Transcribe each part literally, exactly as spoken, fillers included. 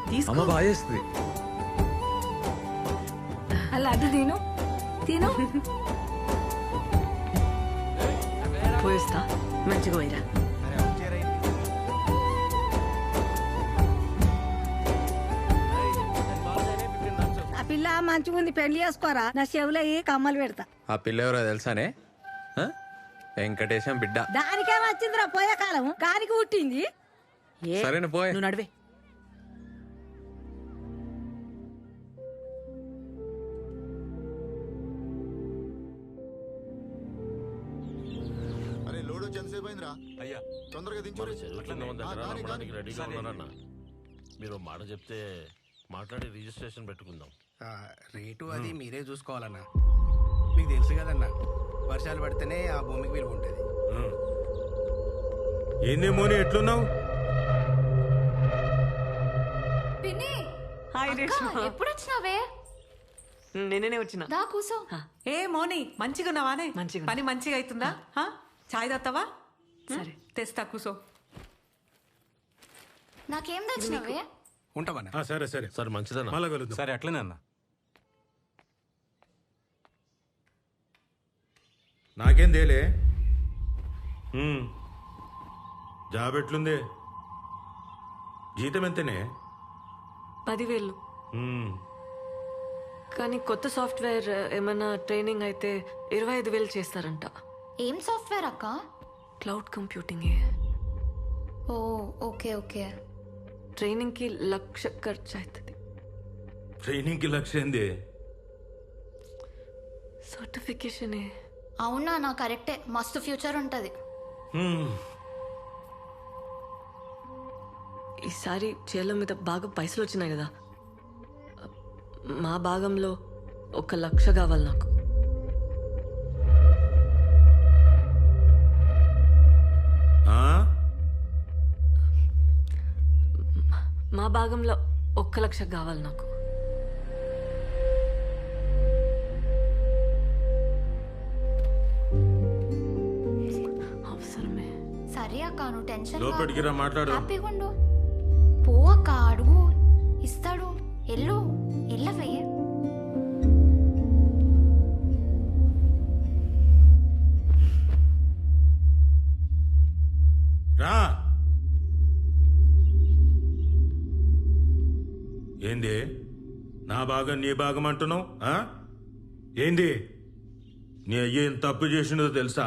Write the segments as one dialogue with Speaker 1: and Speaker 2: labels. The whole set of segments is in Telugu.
Speaker 1: అమ్మ బాగా చేస్తుంది.
Speaker 2: అలా అది తిను తిను
Speaker 3: పోయిస్తా మంచిగా పోయిరా.
Speaker 2: ఆ పిల్ల మంచిగా ఉంది పెళ్లి చేసుకోరా నా చెవులో ఏ కమ్మలు పెడతా.
Speaker 1: ఆ పిల్ల ఎవరో తెలుసానే? ఆ? వెంకటేశం బిడ్డ.
Speaker 2: దానికే వచ్చిందిరా పోయే కాలం కానికి పుట్టింది.
Speaker 1: సరేనా పోయే.
Speaker 3: నువ్వు నడివే.
Speaker 4: అయ్యా తొందరగా రెడీగా ఉన్నారన్న. మీరు మాట చెప్తే మాట్లాడి రిజిస్ట్రేషన్ పెట్టుకుందాం.
Speaker 5: రేటు అది మీరే చూసుకోవాలన్నా. మీకు తెలుసు కదన్నా, వర్షాలు పడితేనే ఆ భూమికి విలువ ఉంటుంది.
Speaker 6: ఏందేమోని ఎట్లున్నావు?
Speaker 7: ఎప్పుడు వచ్చినావే?
Speaker 3: నేనే వచ్చిన.
Speaker 7: దా కూసో.
Speaker 8: ఏ మోని మంచిగా ఉన్నావానే?
Speaker 3: మంచిగా.
Speaker 8: పని మంచిగా అవుతుందా? చాయ్ తాగుతావా?
Speaker 3: సరే
Speaker 8: తెస్తా కూసో.
Speaker 7: నాకేం తెచ్చినావే?
Speaker 5: ఉంటావన్నా.
Speaker 6: సరే సరే
Speaker 4: సరే మంచిదన్నా.
Speaker 6: మళ్ళా కలుద్దాం.
Speaker 9: సరే అట్లనే అన్న.
Speaker 6: నాకేం తేలే. జాబ్ ఎట్లుంది? జీతం ఎంతనే?
Speaker 3: పదివేలు. కానీ కొత్త సాఫ్ట్వేర్ ఏమైనా ట్రైనింగ్ అయితే ఇరవై ఐదు వేలు చేస్తారంట.
Speaker 7: ఏం సాఫ్ట్వేర్ అక్క?
Speaker 3: Cloud computing.
Speaker 7: Oh okay okay.
Speaker 3: Training కి లక్ష ఖర్చు అవుతుంది.
Speaker 6: ట్రైనింగ్ కి లక్ష ఏంది?
Speaker 3: సర్టిఫికేషన్.
Speaker 7: అవునా? నా కరెక్టే, మస్తు ఫ్యూచర్ ఉంటది.
Speaker 3: ఈసారి చేల మీద బాగా పైసలు వచ్చినాయి కదా, మా భాగంలో ఒక లక్ష కావాలి నాకు. మా భాగంలో ఒక్క లక్ష కావాలి నాకు. అవసరమే.
Speaker 7: సరే అక్క, నువ్వు టెన్షన్
Speaker 6: లోపలికి రా, మాట్లాడు.
Speaker 7: హ్యాపీగా ఉండు. పో అక్క, అడుగు, ఇస్తాడు. ఎల్లు ఎల్లవే.
Speaker 6: రా. ఏంది నా భాగం నీ భాగం అంటున్నావు? ఏంది నీ అయ్య ఏం తప్పు చేసినదో తెలుసా?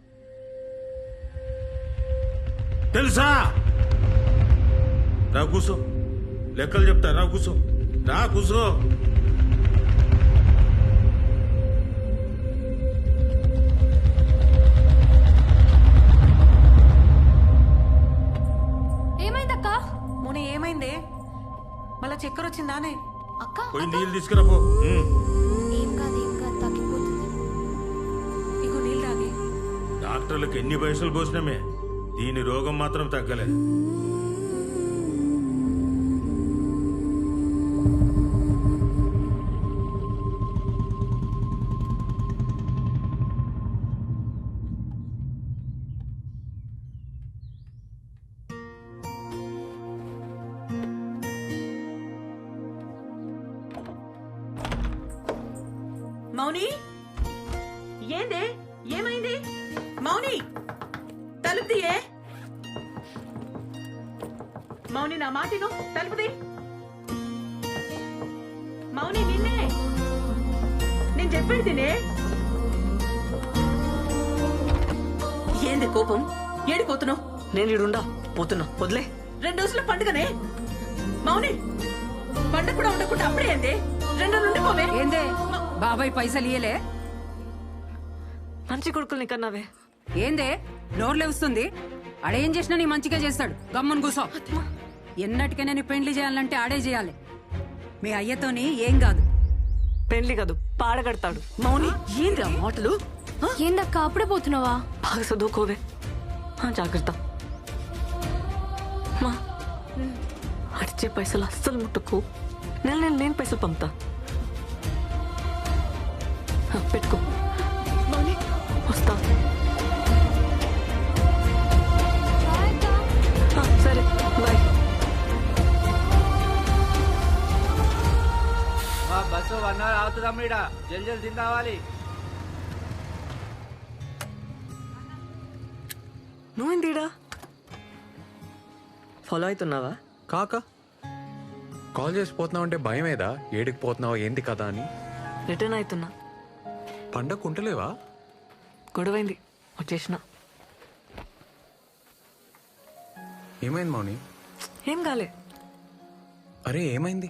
Speaker 6: తెలుసా? రా కూసో, లెక్కలు చెప్తా. రా కూసో, రా కూసో.
Speaker 7: ఏమైందక్క?
Speaker 8: మోని ఏమైందే? మళ్ళా చక్కెర వచ్చిందానే?
Speaker 7: అక్క
Speaker 6: పోయి నీళ్ళు తీసుకురా పో.
Speaker 7: ఏం కాదు ఏం కాదు, తగ్గిపోతుంది.
Speaker 8: ఇగో నీళ్ళు తాగి.
Speaker 6: డాక్టర్లకు ఎన్ని పైసలు పోసినామే, దీని రోగం మాత్రం తగ్గలే.
Speaker 3: మౌని, ఏందే? ఏమైంది? మౌని, తలుపు తీయే. మౌని, నా మాటిను, తలుపుది. మౌని, నిన్నే నేను చెప్పేది తినే. ఏంది కోపం? ఏడిపోతున్నావు? నేను ఇడుండా పోతున్నా, వదిలే. రెండు రోజుల పండుగనే మౌని. పండుగ కూడా ఉండకుండా అప్పుడే ఏంది? రెండు నుండి పోవే.
Speaker 2: ఏందే బాబాయ్ పైసలు ఇయ్యలే?
Speaker 3: మంచి కొడుకుల్ని కన్నావే.
Speaker 2: ఏందే నోర్లే వస్తుంది? ఆడేం చేసినా నీ మంచిగా చేస్తాడు. గమ్మున కూసో. ఎన్నటికైనా నీ పెండ్లి చేయాలంటే ఆడే చేయాలి. మీ అయ్యతోని ఏం కాదు.
Speaker 3: పెళ్లి కాదు, పాడగడతాడు. మౌని, ఏంది ఆ మాటలు?
Speaker 7: ఏందక్క అప్పుడే పోతున్నావా?
Speaker 3: బాగా చదువుకోవే. జాగ్రత్త. మా అడిచే పైసలు అస్సలు ముట్టుకు. నెల నెల లేని పైసలు పంపుతా. పెట్టుకో. మౌని, వస్తా. సరే బాయ్.
Speaker 9: బస్సు వన్ అవర్ అవుతుందాం ఈడ జల్ జల్ తిని రావాలి.
Speaker 3: నువ్వేందిడా ఫాలో అవుతున్నావా?
Speaker 1: కాక కాల్ చేసి పోతున్నావు అంటే భయమేదా? ఏడికి పోతున్నావు ఏంది కదా అని.
Speaker 3: రిటర్న్ అవుతున్నా.
Speaker 1: పండగ ఉంటలేవా?
Speaker 3: గొడవైంది వచ్చేసిన.
Speaker 1: ఏమైంది మౌని?
Speaker 3: ఏం కాలే.
Speaker 1: అరే ఏమైంది?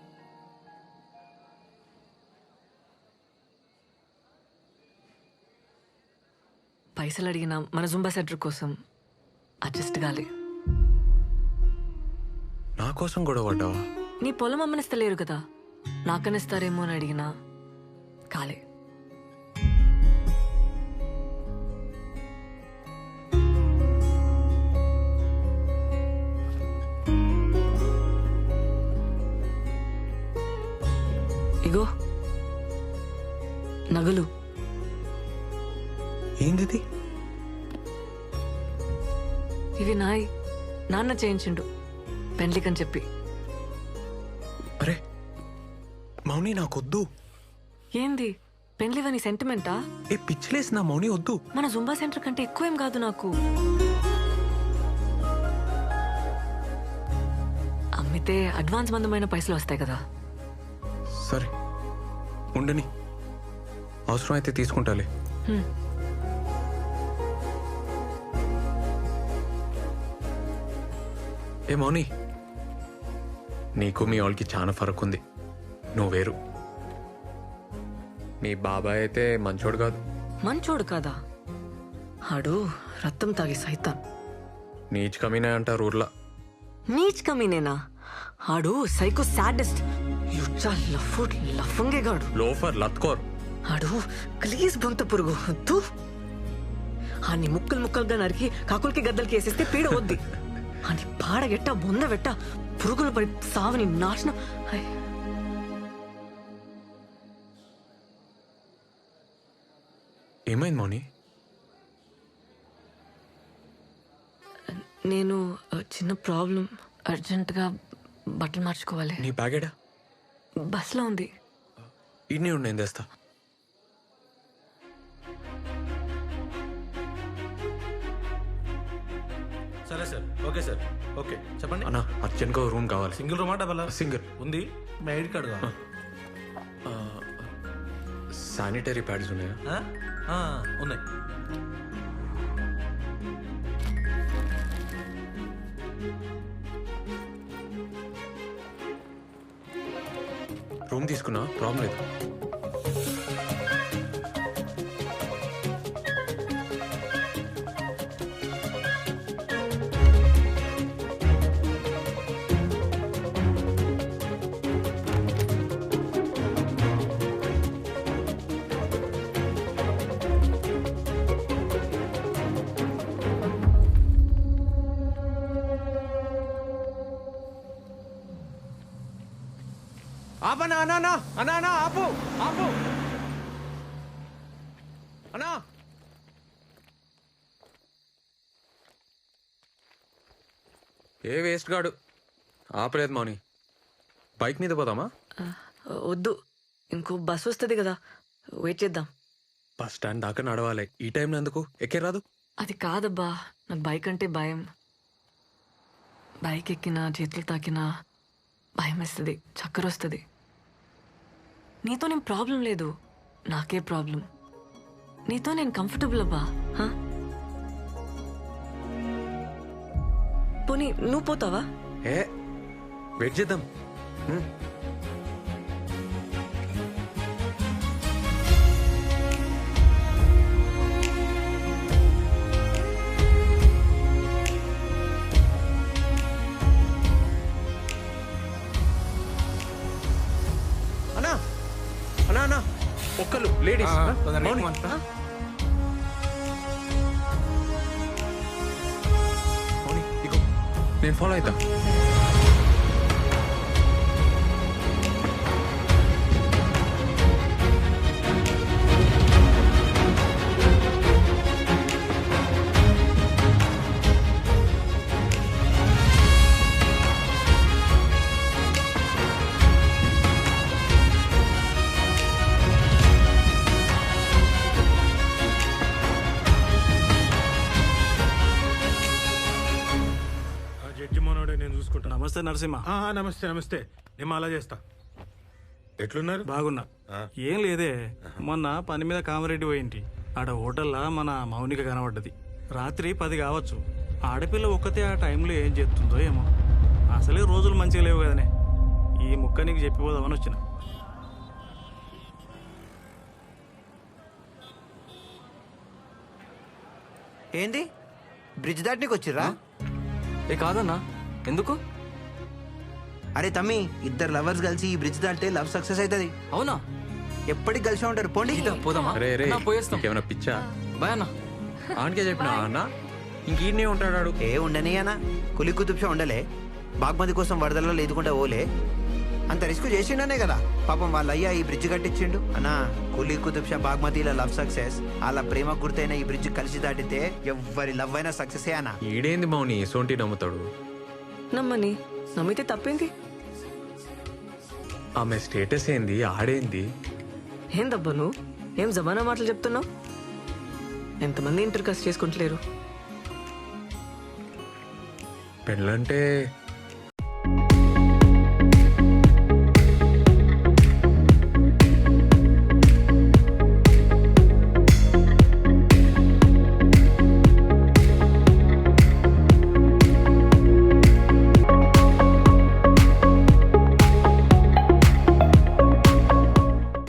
Speaker 3: పైసలు అడిగినా మన జుంబా సెంటర్ కోసం అడ్జస్ట్ కాలే.
Speaker 1: నా కోసం గొడవ పడ్డావా?
Speaker 3: నీ పొలం అమ్మనిస్తలేరు కదా, నాకనిస్తారేమో అని అడిగినా కాలే. ఇగో నగలు.
Speaker 1: ఏంది?
Speaker 3: ఇవి నాయి, నాన్న చేయించిండు పెండ్లికని చెప్పి.
Speaker 1: అరే మౌని నాకొద్దు.
Speaker 3: ఏంది పెండ్లివని సెంటిమెంటా?
Speaker 1: ఏ పిచ్చిలేసి నా మౌని వద్దు.
Speaker 3: మన జుంబా సెంటర్ కంటే ఎక్కువ ఏం కాదు నాకు. అమ్మితే అడ్వాన్స్ మందమైన పైసలు వస్తాయి కదా.
Speaker 1: సరే ఉండని, అవసరం అయితే తీసుకుంటాలే.
Speaker 3: హ్మ్.
Speaker 1: ఏ మౌని, నీకు మీ వాళ్ళకి చాలా ఫరక్ ఉంది. నువ్వు వేరు. మీ బాబాయ్ అయితే మంచోడు కాదు.
Speaker 3: మంచోడు కాదా? ఆడు రక్తం తాగి సైతాన్.
Speaker 1: నీచ్ కమీనే అంటారు ఊర్లో.
Speaker 3: నీచ్ కమీనేనా? ఆడు సైకో సాడెస్ట్, యుచ్చా లఫ్ఫుడ్ లఫంగేగాడు.
Speaker 1: లోఫర్ లత్కోర్.
Speaker 3: ఆడు ప్లీజ్ బొంత పురుగు వద్దు. ఆని ముక్కలు ముక్కలుగా నరికి కాకులకి గద్దలకి వేసేస్తే పీడ వద్ది. అని పాడగెట్ట బొందవెట్ట పురుగులు పడి సావని నాశనం. హై.
Speaker 1: ఏమైంది మౌని?
Speaker 3: నేను ఆ, చిన్న ప్రాబ్లం. అర్జెంటుగా బట్టలు మార్చుకోవాలి.
Speaker 1: నీ బ్యాగేడా?
Speaker 3: బస్లో ఉంది.
Speaker 1: ఇన్ని ఉండి నేను తెస్తా.
Speaker 4: సరే సార్, ఓకే సార్, ఓకే చెప్పండి.
Speaker 1: అన్నా అర్జెంట్గా రూమ్ కావాలి.
Speaker 4: సింగిల్ రూమా డబల్?
Speaker 1: సింగిల్.
Speaker 4: ఉంది. మీ ఐడి కార్డు కావాలి.
Speaker 1: శానిటరీ ప్యాడ్స్ ఉన్నాయా?
Speaker 4: ఆ? ఆ, ఉన్నాయి.
Speaker 1: రూమ్ తీసుకున్నా, ప్రాబ్లం లేదు. ఆపనా అన్నా అన్నా అన్నా అన్నా ఆపు ఆపు అన్నా. ఏ వేస్ట్ గాడు ఆపలేదు మౌని. బైక్ మీద పోదామా?
Speaker 3: ఆ, వద్దు, ఇంకో బస్ వస్తుంది కదా, వెయిట్ చేద్దాం.
Speaker 1: బస్ స్టాండ్ దాకా నడవాలి. ఈ టైంలో ఎందుకు? ఎక్కే రాదు?
Speaker 3: అది కాదబ్బా, నాకు బైక్ అంటే భయం. బైక్ ఎక్కినా చేతులు తాకినా భయం వేస్తుంది, చక్కర వస్తుంది. నీతో నేను ప్రాబ్లం లేదు, నాకే ప్రాబ్లం. నీతో నేను కంఫర్టబుల్ అబ్బా. హా? పోనీ నువ్వు పోతావా?
Speaker 1: ఏ వెయిట్ చేద్దాం. హ్మ్. అన్నా అన్నా అన్నా ఒక్కలు లేడీస్. మౌని మౌని ఇగో నేను ఫాలో అవుతా.
Speaker 10: నమస్తే నరసింహ.
Speaker 6: ఆ, నమస్తే నమస్తే నేను అలా చేస్తా. ఎట్లున్నారు?
Speaker 10: బాగున్నా.
Speaker 6: ఆ.
Speaker 10: ఏం లేదే, మొన్న పని మీద కామారెడ్డి పోయింటి. ఆడ హోటల్లా మన మౌనిక కనబడ్డది. రాత్రి పది కావచ్చు. ఆడపిల్ల ఒక్కతే ఆ టైంలో ఏం చేస్తుందో ఏమో. అసలే రోజులు మంచిగా లేవు కదనే. ఈ ముక్క నీకు చెప్పిపోదామని వచ్చిన.
Speaker 11: ఏంది బ్రిడ్జ్ దాటనీకి వచ్చిర్రా?
Speaker 9: ఏ కాదన్నా, ఎందుకు?
Speaker 11: అరే తమ్మి, ఇద్దరు లవర్స్ కలిసి ఈ బ్రిడ్జ్ దాటితే లవ్ సక్సెస్ అవుతుంది.
Speaker 9: అవునా?
Speaker 11: ఎప్పటికి కలిసి ఉంటారు. పోండి.
Speaker 9: పోదామా?
Speaker 1: రే రే
Speaker 9: అన్నా, పోయేస్తాం.
Speaker 1: ఏమైనా పిచ్చా?
Speaker 9: బాయ్ అన్న.
Speaker 1: ఆనకే చెప్పినా అన్న ఇంకీడనే ఉంటాడు.
Speaker 11: ఏ ఉండని అన్న, కులి కుతుబ్షా ఉండలే. బాగ్మతి కోసం వరదల్లో లేదుకుంటా ఓలే. అంత రిస్క్ చేసిండనే కదా పాపం వాళ్ళ అయ్యా ఈ బ్రిడ్జ్ కట్టించిండు. అన్నా, కులి కుతుబ్షా బాగ్మతిల లవ్ సక్సెస్, వాళ్ళ ప్రేమ గుర్తైన ఈ బ్రిడ్జ్ కలిసి దాటితే ఎవ్వరి లవ్ అయినా సక్సెస్ అన్నా.
Speaker 1: ఈడేంది మౌని సోంటి నమ్ముతాడు?
Speaker 3: నమ్మని నమ్మితే తప్పేంది?
Speaker 1: ఆమె స్టేటస్ ఏంది, ఆడేంది?
Speaker 3: ఏం దబ్బా నువ్వు ఏం జమానా మాటలు చెప్తున్నావు? ఎంతమంది ఇంటర్ కాస్ట్ చేసుకుంటలేరు?
Speaker 1: పెళ్ళంటే